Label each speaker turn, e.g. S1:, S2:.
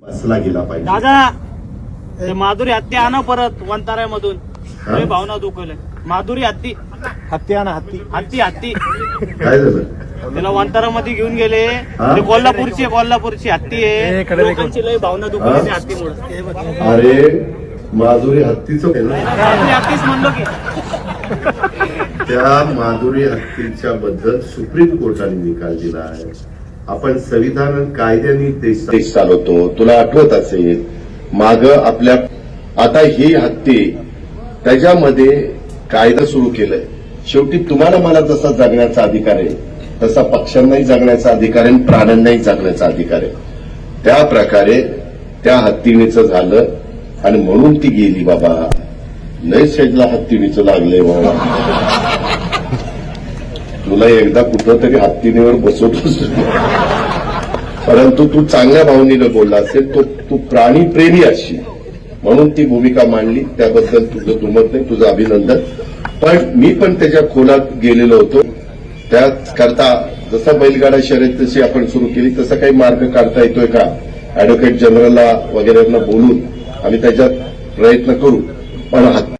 S1: बसला गेला पाहिजे.
S2: दादा ते माधुरी हत्ती आणा परत वंताऱ्यामधून. लय भावना दुखवले. माधुरी हत्ती
S3: हत्ती आणा हत्ती.
S2: हत्ती हत्ती
S1: काय झालं?
S2: त्याला वंतारामध्ये घेऊन गेले. ते कोल्हापूरची हत्ती आहे. लोकांची लय भावना दुखवली त्या हत्तीमुळे.
S1: अरे माधुरी हत्तीचं
S2: हत्तीच म्हणलो की
S1: त्या माधुरी हत्तीच्या बद्दल सुप्रीम कोर्टाने निकाल दिला आहे. आपण संविधान कायद्याने देश चालवतो. तुला आठवत असेल माग आपल्या आता ही हत्ती त्याच्यामध्ये कायदा सुरू केलाय. शेवटी तुम्हाला मला जसा जगण्याचा अधिकार आहे तसा पक्ष्यांनाही जगण्याचा अधिकार आहे, प्राण्यांनाही जगण्याचा अधिकार आहे. त्या प्रकारे त्या हत्तीणीचं झालं आणि म्हणून ती गेली. बाबा लय शेजला हत्तीणीचं लागलंय बाबा. तुला एकदा कुठं तरी हत्तीणीवर बसवतोस, परंतु तू चांगल्या भावनेनं बोलला असेल. तू प्राणी प्रेमी असशील म्हणून ती भूमिका मांडली. त्याबद्दल तुझं दुमत नाही, तुझं अभिनंदन. पण मी पण त्याच्या खोलात गेलेलो होतो. त्याकरता जसं बैलगाडा शर्यत तशी आपण सुरू केली तसा काही मार्ग काढता येतोय का अॅडव्होकेट जनरलला वगैरेंना बोलून आम्ही त्याच्यात प्रयत्न करू. पण